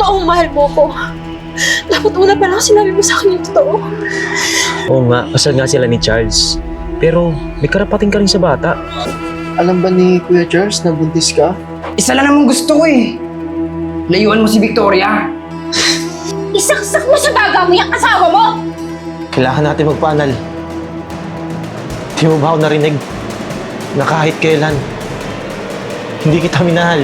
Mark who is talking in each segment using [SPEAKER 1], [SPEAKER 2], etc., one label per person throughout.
[SPEAKER 1] totoong mahal mo ko. Dapat una pa lang sinabi mo sa akin yung totoo.
[SPEAKER 2] Oo nga, kasal nga sila ni Charles. Pero may karapating ka rin sa bata.
[SPEAKER 3] Alam ba ni Kuya Charles na buntis ka?
[SPEAKER 4] Isa lang naman gusto ko eh. Layuan mo si Victoria.
[SPEAKER 1] Isaksak mo sa baga mo yung asawa mo!
[SPEAKER 2] Kailangan natin magpanal. Di mo ba ako narinig na kahit kailan, hindi kita minahal?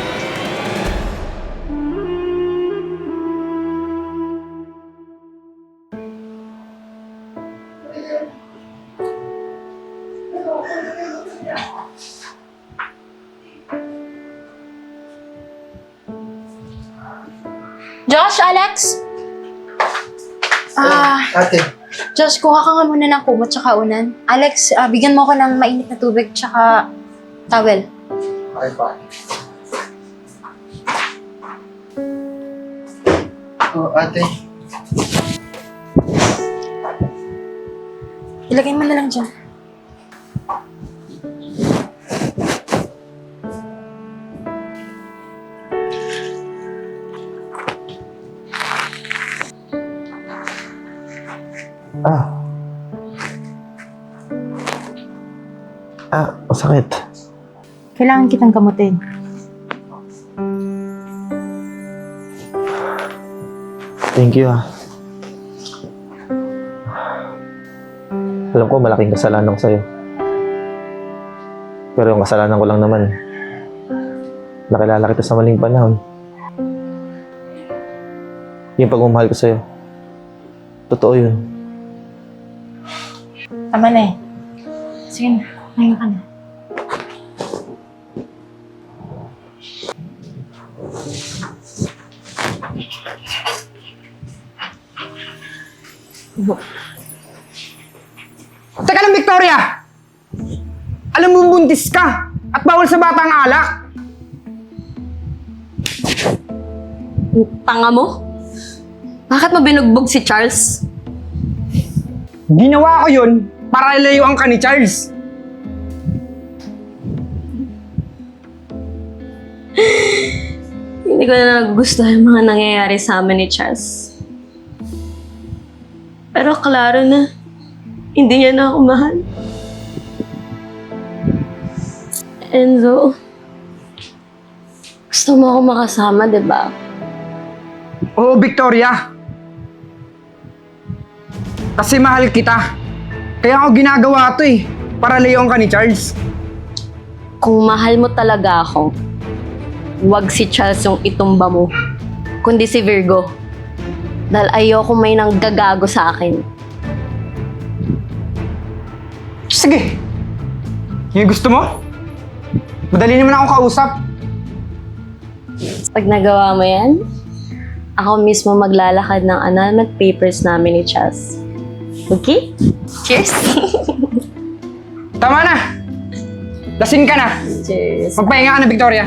[SPEAKER 1] Josh, Alex?
[SPEAKER 3] Ate,
[SPEAKER 1] Josh, kuha ka nga muna ng kumot tsaka unan. Alex, bigyan mo ko ng mainit na tubig tsaka towel.
[SPEAKER 3] okay pa. Oh, ate.
[SPEAKER 1] Ilagay mo na lang dyan.
[SPEAKER 2] Masakit.
[SPEAKER 1] Kailangan kitang gamutin.
[SPEAKER 2] Thank you, Alam ko, malaking kasalanan ko sa'yo. Pero yung kasalanan ko lang naman, nakilala kita sa maling panahon. Yung pagmamahal ko sa'yo, totoo yun.
[SPEAKER 1] Tama na eh. Sige na, ngayon ka na.
[SPEAKER 4] Teka lang, Victoria! Alam mo buntis ka at bawal sa bata ang alak.
[SPEAKER 5] Tanga mo? Bakit mo binugbog si Charles?
[SPEAKER 4] Ginawa ko yun para layuan ka ni Charles.
[SPEAKER 5] Hindi ko na nagugustuhan yung mga nangyayari sa amin ni Charles. Pero klaro na, hindi niya na ako mahal. Enzo, gusto mo ako makasama, di ba?
[SPEAKER 4] Oo, Victoria. Kasi mahal kita. Kaya ako ginagawa to eh, para layuan ka ni Charles.
[SPEAKER 5] Kung mahal mo talaga ako, wag si Charles yung itumba mo, kundi si Virgo. Dahil ayoko may nanggagago sa akin.
[SPEAKER 4] Sige. Yung gusto mo? Madali naman ako kausap.
[SPEAKER 5] Pag nagawa mo yan, ako mismo maglalakad ng annulment papers namin ni Charles. Okay? Cheers!
[SPEAKER 4] Tama na! Lasing ka na!
[SPEAKER 5] Cheers!
[SPEAKER 4] Magpahinga ka na, Victoria.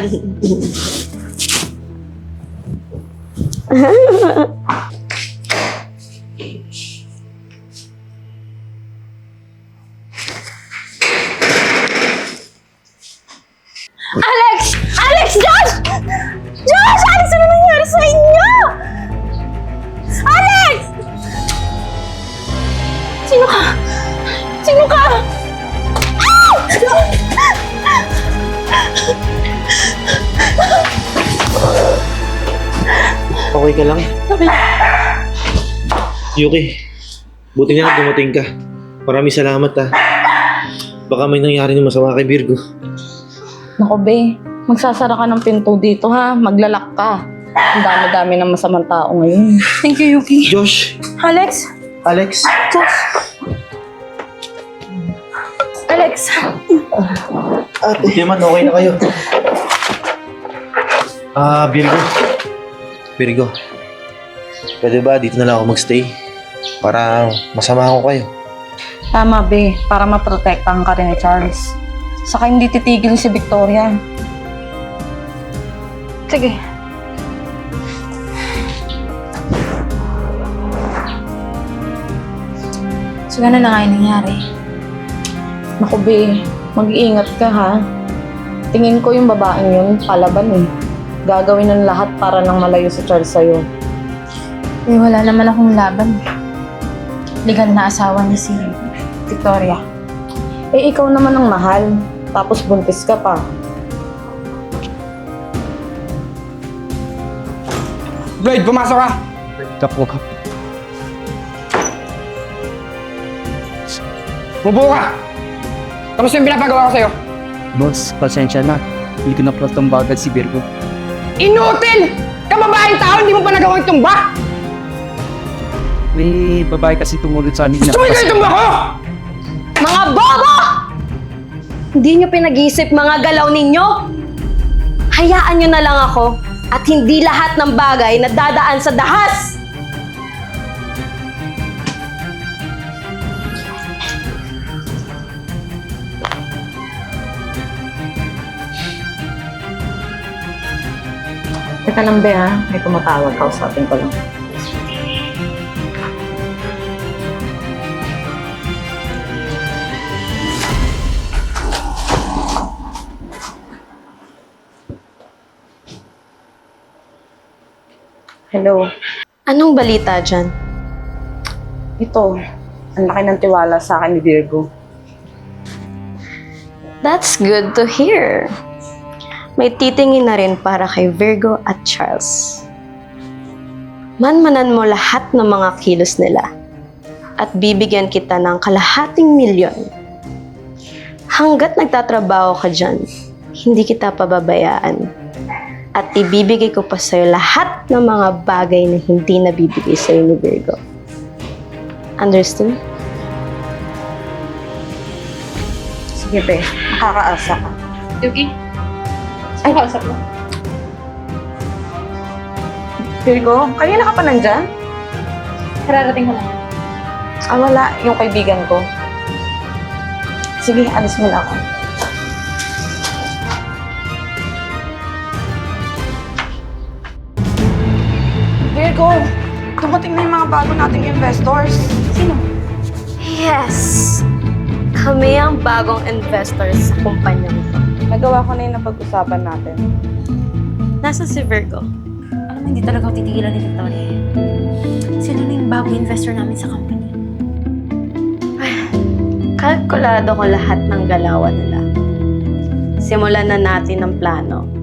[SPEAKER 1] Alex! Alex! Josh! Josh! Alex, ano nangyari sa inyo? Alex! Sino ka? Sino ka? Ah!
[SPEAKER 2] Okay ka lang? Yuki, buti nga na dumating ka. Maraming salamat, Baka may nangyari ng masama kay Virgo.
[SPEAKER 6] Naku, be. Magsasara ka ng pinto dito, ha? Maglalak ka. Ang dami-dami ng masamang tao ngayon.
[SPEAKER 1] Thank you, Yuki.
[SPEAKER 2] Josh!
[SPEAKER 1] Alex!
[SPEAKER 3] Alex?
[SPEAKER 1] Josh! Alex!
[SPEAKER 3] Ate.
[SPEAKER 2] Hindi naman, okay na kayo. Virgo. Virgo. Pwede ba dito na lang ako magstay? Para masama ko kayo.
[SPEAKER 6] Tama, be. Para maprotektahan ka rin ni Charles. Saka hindi titigil si Victoria.
[SPEAKER 1] Sige. So, gano'n na nga yung nangyari.
[SPEAKER 6] Naku, be. Mag-iingat ka, ha? Tingin ko yung babaeng yun, palaban eh. Gagawin ng lahat para nang malayo si Charles sa'yo.
[SPEAKER 1] Eh, wala naman akong laban. Legal na asawa ni si Victoria.
[SPEAKER 6] Eh, ikaw naman ang mahal. Tapos buntis ka pa.
[SPEAKER 4] Lloyd, pumasok ka!
[SPEAKER 7] Kapo, kap.
[SPEAKER 4] Mubo ka! Tapos yung pinapagawa ko sa'yo.
[SPEAKER 7] Boss, pasensya na. Hindi ko na pala tumbagan si Virgo.
[SPEAKER 4] Inutil! Kababaeng tao, hindi mo pa nagawang tumba!
[SPEAKER 7] May babae kasi tumulot sa amin na...
[SPEAKER 4] Gusto mo ikaw itumba ko!
[SPEAKER 5] Mga bobo! Hindi nyo pinag-iisip mga galaw ninyo? Hayaan nyo na lang ako at hindi lahat ng bagay na dadaan sa dahas!
[SPEAKER 6] Teka lang, Be, ha? May tumatawag. Kausapin ko lang. Hello.
[SPEAKER 5] Anong balita dyan?
[SPEAKER 6] Ito, ang laki ng tiwala sa akin ni Virgo.
[SPEAKER 5] That's good to hear. May titingin na rin para kay Virgo at Charles. Manmanan mo lahat ng mga kilos nila at bibigyan kita ng kalahating milyon. Hanggat nagtatrabaho ka dyan, hindi kita pababayaan. At ibibigay ko pa sa'yo lahat ng mga bagay na hindi nabibigay sa'yo ni Virgo. Understood?
[SPEAKER 6] Sige, Be. Makakaasa ka.
[SPEAKER 1] Yuki? Ay, kausap mo.
[SPEAKER 6] Virgo, kanina ka pa nandyan?
[SPEAKER 1] Kararating ko lang.
[SPEAKER 6] Ah, wala. Yung kaibigan ko. Sige, alis mo na ako. Virgo, dumating na yung mga bago nating investors. Sino?
[SPEAKER 5] Yes! Kami ang bagong investors sa kumpanya nito.
[SPEAKER 6] Nagawa ko na yung napag-usapan natin.
[SPEAKER 5] Nasa si Virgo.
[SPEAKER 1] Alam mo, hindi talaga ako titigilan ni Victoria. Sila na yung bagong investor namin sa company.
[SPEAKER 5] Kalkulado ko lahat ng galawan nila. Simulan na natin ang plano